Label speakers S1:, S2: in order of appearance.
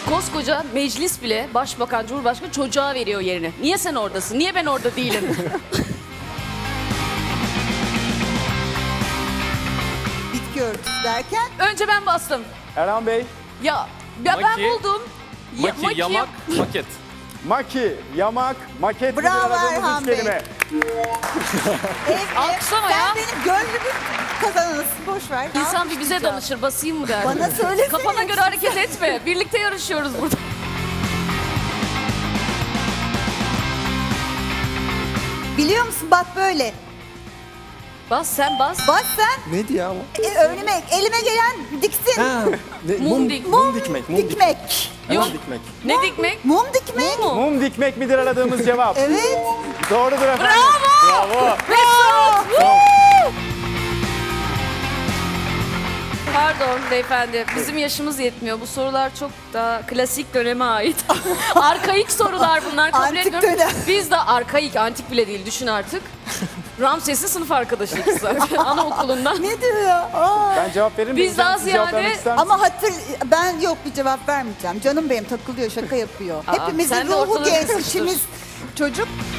S1: Koskoca meclis bile başbakan, cumhurbaşkanı çocuğa veriyor yerini. Niye sen oradasın? Niye ben orada değilim?
S2: Bitki örtüsü derken
S1: Önce ben bastım.
S3: Erhan Bey,
S1: Ya ben
S4: Maki.
S1: buldum.
S4: Maki, yamak, maket.
S3: maki, yamak, maket gibi
S2: Bravo
S3: aradığımız
S2: Erhan
S3: üç
S2: Bey.
S3: kelime.
S1: Alkışlama
S2: sen
S1: ya.
S2: benim gönlümün kazananısın. Boş ver. Ne
S1: İnsan bir bize
S2: yapacağım?
S1: danışır, basayım mı der.
S2: Bana söylesene.
S1: Kafana göre hareket etme. Birlikte yarışıyoruz burada.
S2: Biliyor musun bak böyle.
S1: Bas sen bas.
S2: Bas sen.
S5: Neydi ya o?
S2: Önüme, elime gelen diksin.
S5: Ha,
S1: Mum dik.
S5: Mum dikmek. Mum
S2: Dikmek.
S1: Yok.
S5: dikmek.
S1: Ne dikmek?
S2: Mum dikmek.
S1: Mu?
S3: Mum dikmek midir aradığımız cevap?
S2: Evet.
S3: Doğrudur efendim. Bravo.
S1: Mesut! Woo! Pardon beyefendi, bizim yaşımız yetmiyor. Bu sorular çok daha klasik döneme ait. Arkaik sorular bunlar, kabul
S2: Antik
S1: etmiyorum.
S2: dönem.
S1: Biz de arkaik, antik bile değil, düşün artık. Ramses'in sınıf arkadaşıyız zaten, anaokulundan.
S2: Ne diyor ya? Aa.
S3: Ben cevap veririm.
S1: Biz daha
S3: Siz cevap
S1: ziyade-
S3: vermek ister misiniz?
S2: Ama ben yok bir cevap vermeyeceğim. Canım benim takılıyor, şaka yapıyor.
S1: Aa,
S2: Hepimizin
S1: sen de
S2: ruhu
S1: ortalığı
S2: genç,
S1: karıştır.
S2: içimiz çocuk.